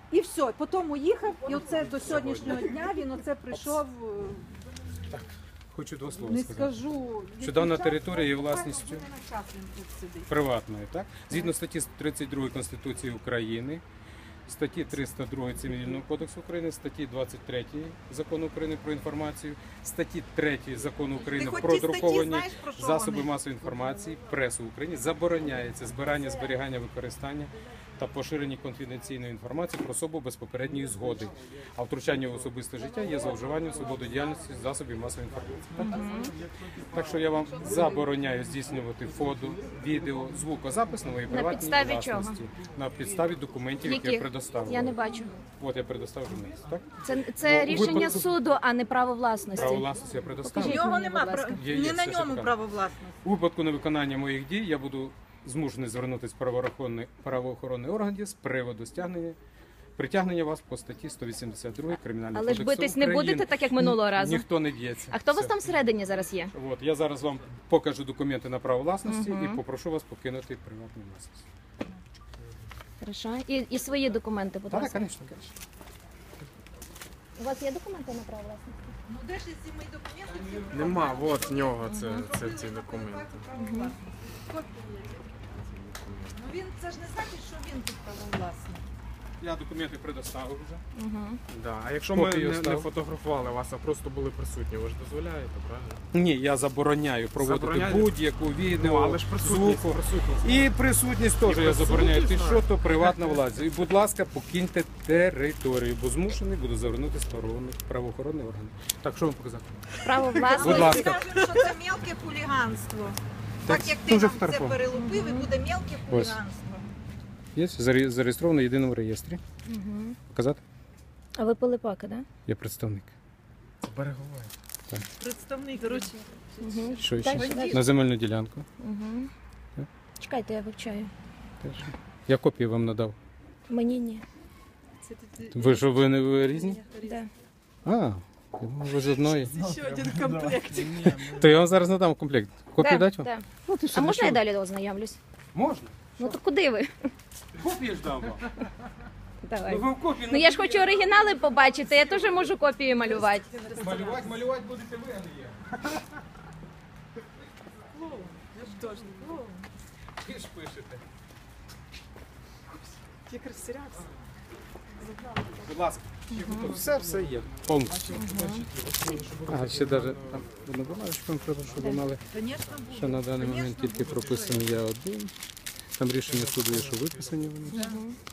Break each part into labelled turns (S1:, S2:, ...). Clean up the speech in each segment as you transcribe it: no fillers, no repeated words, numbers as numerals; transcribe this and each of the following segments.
S1: І все, потім уїхав, і оце до сьогоднішнього дня він оце прийшов,
S2: Так, хочу два слова
S1: не
S2: сказати.
S1: скажу,
S2: Що дана
S1: час,
S2: територія є
S1: але
S2: власністю
S1: на час він тут сидить.
S2: приватною, так? Згідно статті 32 Конституції України, статті 302 Цивільного кодексу України, статті 23 Закону України про інформацію, статті 3 Закону України
S1: хоч
S2: про
S1: ті статті
S2: друковані
S1: знаєш, про що
S2: засоби
S1: вони?
S2: масової інформації, пресу в Україні забороняється збирання, зберігання, використання та поширення конфіденційної інформації про особу без попередньої згоди. А втручання в особисте життя є зловживанням свободи діяльності засобів масової інформації. Так що я вам забороняю здійснювати фото, відео, звукозапис нової приватній
S3: підставі
S2: власності. На підставі документів, які я
S3: Яких?
S2: предоставив.
S3: Я не бачу.
S2: От я предоставив журналісту, так?
S3: Це
S2: Ну,
S3: рішення
S2: випадку-
S3: суду, а не право власності.
S2: Право власності я
S1: У
S2: предоставив.
S3: Покажіть.
S1: нього
S3: мені,
S1: нема,
S3: будь ласка.
S2: Є,
S1: не на
S2: все
S1: ньому
S2: шукаю.
S1: право власності.
S2: У випадку невиконання моїх дій я буду змушений звернутися в правоохоронний орган з приводу притягнення вас по статті 182 Кримінального
S3: Але ж
S2: кодексу
S3: битись не
S2: України.
S3: будете, так як минулого разу.
S2: Ніхто не б'ється.
S3: А хто у вас
S2: Все.
S3: там всередині зараз є?
S2: От, я зараз вам покажу документи на право власності і попрошу вас покинути приватну власність.
S3: Хорошо. І свої документи, будь
S2: Так,
S3: ласка.
S2: звісно, звісно.
S3: У вас є документи на право власності?
S1: Ну де ж ці мої документи?
S4: Нема, от в нього це ці документи.
S1: Ну він, це ж не значить, що він тут правовласник.
S2: Я документи предоставив вже.
S4: Да. А якщо ми
S2: Копію
S4: не
S2: став.
S4: фотографували вас, а просто були присутні, ви ж дозволяєте, правильно?
S2: Ні, я забороняю проводити
S4: Забороняєте?
S2: будь-яку відео,
S4: Ну, але ж присутність,
S2: звуку.
S4: присутність.
S2: І присутність теж я забороняю. Ти
S4: присутність,
S2: що, то приватна власність. І, будь ласка, покиньте територію, бо змушений буду звернутися в правоохоронний орган. Так, що вам показати?
S3: Право
S2: Будь
S3: власності.
S2: ласка.
S1: Скажемо, що це мелке хуліганство. Так як ти
S2: дуже
S1: нам це
S2: вторгов.
S1: перелупив, і буде мелке хуліганство.
S2: Є зареєстровано в єдиному реєстрі. Показати?
S3: А ви Пилипака, так?
S2: Я представник.
S4: Берегове.
S1: Представник, коротше.
S2: Що
S3: Дальше,
S2: ще?
S3: дальше.
S2: На земельну ділянку.
S3: Чекайте, я вивчаю.
S2: Теж. Я копію вам надав.
S3: Мені ні.
S2: Ви що, ви різні?
S3: Да.
S2: А, я думав, ви з одної.
S1: Ще один комплект.
S2: То я вам зараз надам комплект. Копію дати вам?
S3: Да.
S2: Ну, ти що,
S3: А
S2: для
S3: можна я
S2: чого?
S3: далі ознайомлюсь?
S2: Можна.
S3: Ну то куди ви?
S2: Копію ж дам вам.
S3: Давай.
S2: ви в копії
S3: Ну я ж хочу оригінали побачити, я теж можу копії малювати.
S2: Малювати будете ви, а не я. Ви ж пишете.
S1: Як розсірявся.
S2: Будь ласка. Все є. Повністю. А, ще навіть там одну бумажечку треба, щоб ви мали,
S1: Звісно, буде.
S2: що на даний момент
S1: Конечно,
S2: тільки
S1: буде.
S2: прописаний я один. Там рішення суду є, що виписані вони.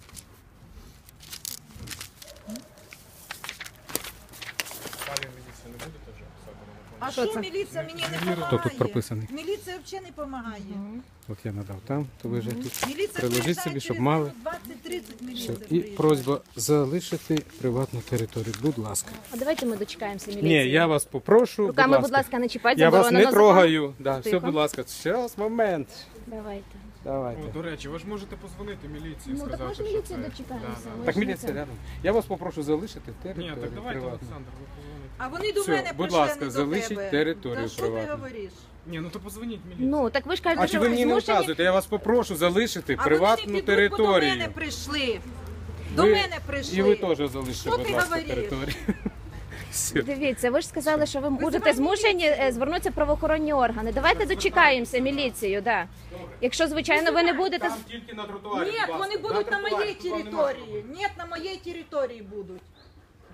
S4: Пані міліція не будете вже писати?
S1: А
S3: Що
S1: що
S3: це?
S1: міліція мені не допомагає?
S2: Хто тут прописаний?
S1: Міліція взагалі не допомагає.
S2: От я надав там, то ви вже тут.
S1: Міліція
S2: Приложіть
S1: приїжджає
S2: собі, щоб
S1: через
S2: мали.
S1: 20-30
S2: Все.
S1: міліція
S2: І
S1: приїжджає.
S2: просьба залишити приватну територію. Будь ласка.
S3: А давайте ми дочекаємося міліції.
S2: Ні, я вас попрошу.
S3: Руками, будь ласка, не чіпайте,
S2: Я вас
S3: заборонено
S2: не
S3: законом.
S2: трогаю. Да, все,
S3: Тихо.
S2: будь ласка. Зараз, момент.
S3: Давайте.
S2: Давайте.
S4: О, до речі, ви ж можете позвонити міліції,
S3: Ну так
S4: сказати,
S3: ми ж
S4: що
S3: міліцію
S4: це...
S3: дочекаємося.
S4: Да,
S3: ми
S2: Так
S3: ж не
S2: міліція
S3: це.
S2: рядом. Я вас попрошу залишити територію
S4: Ні, так давайте,
S2: приватну.
S4: Олександр, ви позвоните.
S1: А вони до
S2: Все,
S1: мене
S2: будь
S1: прийшли,
S2: ласка,
S1: не до
S2: залишіть
S1: тебе.
S2: територію
S1: Та що ти
S2: приватну.
S1: говориш?
S4: Ні, ну то позвоніть міліції.
S3: Ну, так ви ж кажете,
S2: А чи
S3: що
S2: ви мені не
S3: змушені...
S2: вказуєте? Я вас попрошу залишити
S1: А
S2: приватну
S1: вони не підуть, бо до
S2: територію.
S1: мене прийшли. До
S2: Ви-
S1: мене прийшли.
S2: І ви теж залишите,
S1: Що
S2: будь
S1: ти
S2: ласка,
S1: говориш?
S2: територію. Все.
S3: Дивіться, ви ж сказали, що ви будете
S1: Визивайте
S3: змушені звернутися в правоохоронні органи. Давайте дочекаємося міліцію, да. Якщо, звичайно, ви не будете...
S2: Там тільки на тротуарі.
S1: Ні,
S2: будь ласка.
S1: вони будуть на
S2: тротуарі,
S1: моїй
S2: туди нема.
S1: території. Ні, на моїй території будуть.